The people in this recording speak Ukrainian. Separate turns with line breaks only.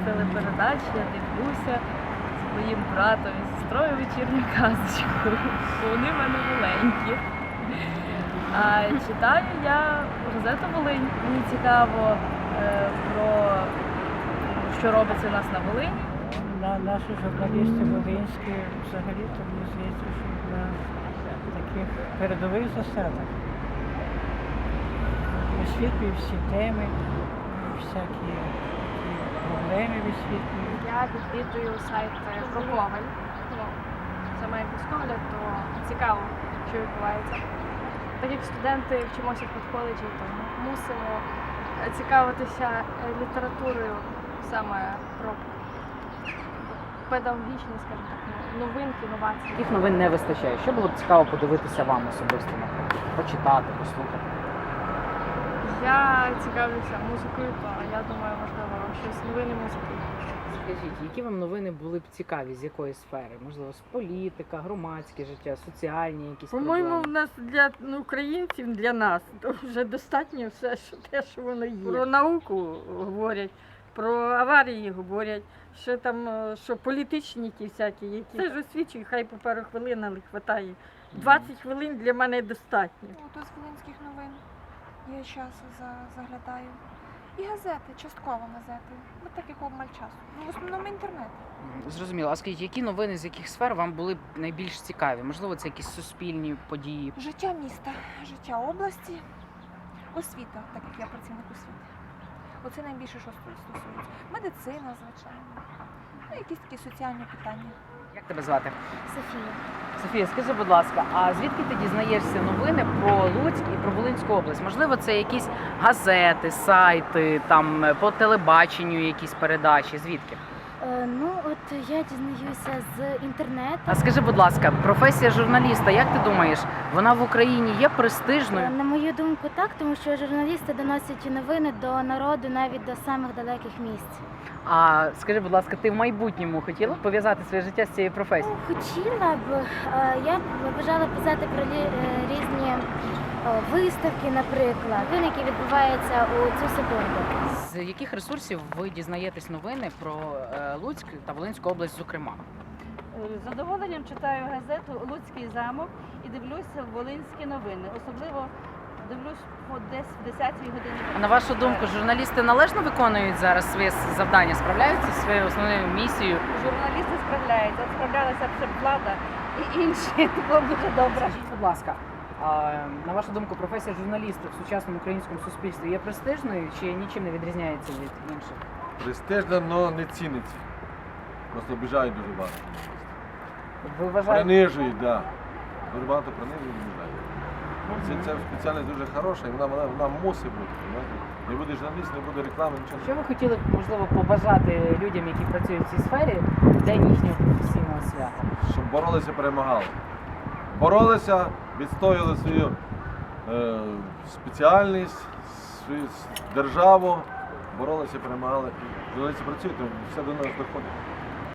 телепередач я дивлюся з моїм братом і сестрою вечірню казочку, бо вони в мене маленькі. А читаю я газету «Волинь». Мені цікаво про що робиться у нас на Волині.
Наші журналісти волинські взагалі, то мені здається, що на таких передових засадах висвітлюють всі теми, всякі такі проблеми висвітлюють.
Я відвідую сайт про Коваль. Це має погляд, то цікаво, що відбувається. Так як студенти вчимося в педколеджі, то мусимо цікавитися літературою саме про педагогічні, скажімо так, новинки, новації.
Яких новин не вистачає? Що було б цікаво подивитися вам особисто, наприклад? Почитати, послухати?
Я цікавлюся музикою, то я думаю, можливо, щось новини музики.
Скажіть, які вам новини були б цікаві, з якої сфери? Можливо, з політика, громадське життя, соціальні якісь
По-моєму, в
проблеми?
нас для українців, для нас, то вже достатньо все, що те, що воно є. Про науку говорять, про аварії говорять, що там, що політичні ті всякі, які. Це ж освічує, хай по пару хвилин, але вистачає. 20 хвилин для мене достатньо.
То з волинських новин я часу заглядаю. І газети, частково газети. Ну так як обмаль часу. Ну, в основному інтернет.
Зрозуміло. А скажіть, які новини з яких сфер вам були б найбільш цікаві? Можливо, це якісь суспільні події?
Життя міста, життя області, освіта, так як я працівник освіти. Оце найбільше, що стосується. Медицина, звичайно. Ну, якісь такі соціальні питання.
Як тебе звати?
Софія.
Софія, скажи, будь ласка, а звідки ти дізнаєшся новини про Луцьк і про Волинську область? Можливо, це якісь газети, сайти, там по телебаченню якісь передачі? Звідки?
Ну, от я дізнаюся з інтернету.
А скажи, будь ласка, професія журналіста, як ти думаєш, вона в Україні є престижною?
На мою думку, так, тому що журналісти доносять новини до народу навіть до самих далеких місць.
А скажи, будь ласка, ти в майбутньому хотіла б пов'язати своє життя з цією професією?
Хотіла б, я б бажала писати про різні виставки, наприклад, новини, які відбуваються у цю секунду.
З яких ресурсів ви дізнаєтесь новини про Луцьк та Волинську область, зокрема?
З задоволенням читаю газету «Луцький замок» і дивлюся волинські новини. Особливо дивлюсь десь в 10-й годині.
А на вашу думку, журналісти належно виконують зараз своє завдання, справляються зі своєю основною місією?
Журналісти справляються, справлялася б ще влада і інші. Було б дуже добре.
Скажіть, будь ласка, а на вашу думку, професія журналіста в сучасному українському суспільстві є престижною чи нічим не відрізняється від інших?
Престижна, але не ціниться. Просто обіжають дуже багато.
Ви вважаєте?
Принижують, так. Да. Дуже багато принижують і обіжають. Ця спеціальність дуже хороша і вона мусить бути. Знаєте? Не буде журналіст, не буде реклами, нічого.
Що ви хотіли б, можливо, побажати людям, які працюють в цій сфері, в день їхнього професійного свята?
Щоб боролися, перемагали. Боролися, відстояли свою спеціальність, свою державу, боролися, перемагали. Журналісти працюють, то все до нас доходить.